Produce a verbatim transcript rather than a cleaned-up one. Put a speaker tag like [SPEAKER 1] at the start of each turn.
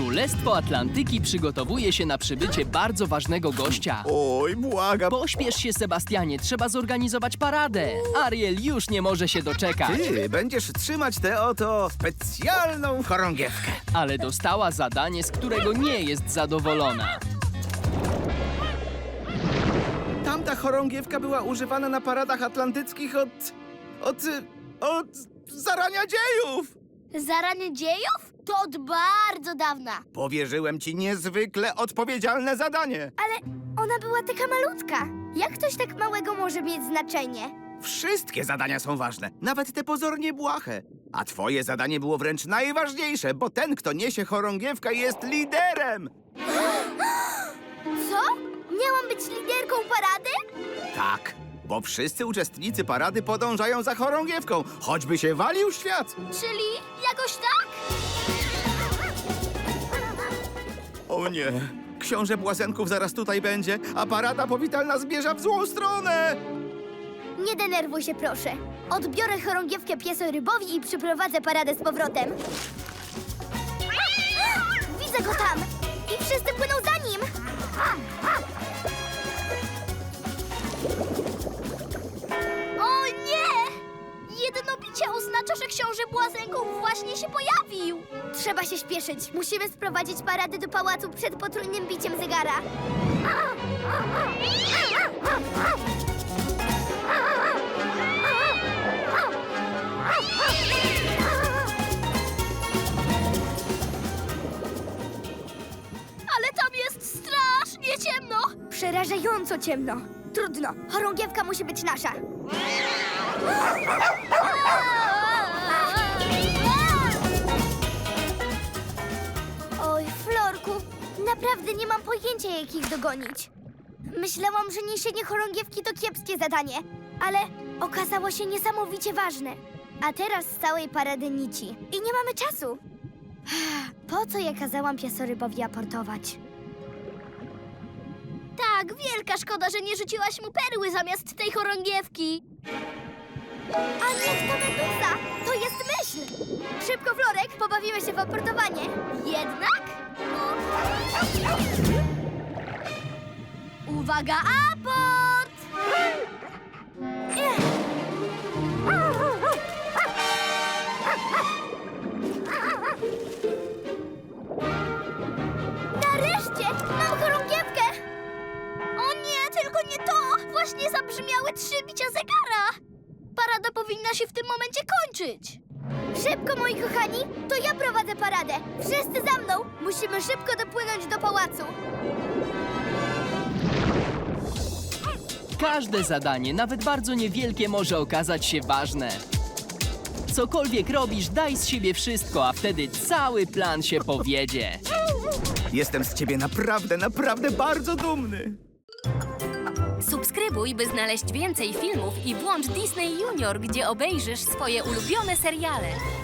[SPEAKER 1] Królestwo Atlantyki przygotowuje się na przybycie bardzo ważnego gościa.
[SPEAKER 2] Oj, błagam.
[SPEAKER 1] Pośpiesz się, Sebastianie, trzeba zorganizować paradę. Ariel już nie może się doczekać,
[SPEAKER 2] Ty będziesz trzymać tę oto specjalną chorągiewkę.
[SPEAKER 1] ale dostała zadanie, z którego nie jest zadowolona.
[SPEAKER 2] Tamta chorągiewka była używana na paradach atlantyckich od... od... od zarania dziejów.
[SPEAKER 3] Zaranie dziejów? To od bardzo dawna.
[SPEAKER 2] Powierzyłem ci niezwykle odpowiedzialne zadanie.
[SPEAKER 3] Ale ona była taka malutka. Jak coś tak małego może mieć znaczenie?
[SPEAKER 2] Wszystkie zadania są ważne, nawet te pozornie błahe. A twoje zadanie było wręcz najważniejsze, bo ten, kto niesie chorągiewkę, jest liderem.
[SPEAKER 3] Co? Miałam być liderką parady?
[SPEAKER 2] Tak, bo wszyscy uczestnicy parady podążają za chorągiewką, choćby się walił świat.
[SPEAKER 3] Czyli jakoś tak?
[SPEAKER 2] O nie, książę Błazenków zaraz tutaj będzie, a parada powitalna zmierza w złą stronę.
[SPEAKER 3] Nie denerwuj się, proszę. Odbiorę chorągiewkę piesorybowi i przyprowadzę paradę z powrotem. Widzę go tam! I wszyscy płyną za nim! O nie! Jedno bicie oznacza, że książę Błazenków właśnie się pojawił. Trzeba się śpieszyć. Musimy sprowadzić paradę do pałacu przed potrójnym biciem zegara. Ale tam jest strasznie ciemno! Przerażająco ciemno. Trudno, chorągiewka musi być nasza. Oj, Florku, naprawdę nie mam pojęcia, jak ich dogonić. Myślałam, że niesienie chorągiewki to kiepskie zadanie, ale okazało się niesamowicie ważne. A teraz z całej parady nici i nie mamy czasu. Po co ja kazałam piesorybowi aportować? Tak, wielka szkoda, że nie rzuciłaś mu perły zamiast tej chorągiewki. A niech to meduza! To jest myśl! Szybko, Florek, pobawimy się w aportowanie. Jednak? Uwaga, aport! Ech. Nareszcie! Mam chorągiewkę! O nie, tylko nie to! Właśnie zabrzmiały trzy bicia zegara! Parada powinna się w tym momencie kończyć! Szybko, moi kochani! To ja prowadzę paradę! Wszyscy za mną! Musimy szybko dopłynąć do pałacu!
[SPEAKER 1] Każde zadanie, nawet bardzo niewielkie, może okazać się ważne. Cokolwiek robisz, daj z siebie wszystko, a wtedy cały plan się powiedzie.
[SPEAKER 2] Jestem z ciebie naprawdę, naprawdę bardzo dumny.
[SPEAKER 4] Subskrybuj, by znaleźć więcej filmów i włącz Disney Junior, gdzie obejrzysz swoje ulubione seriale.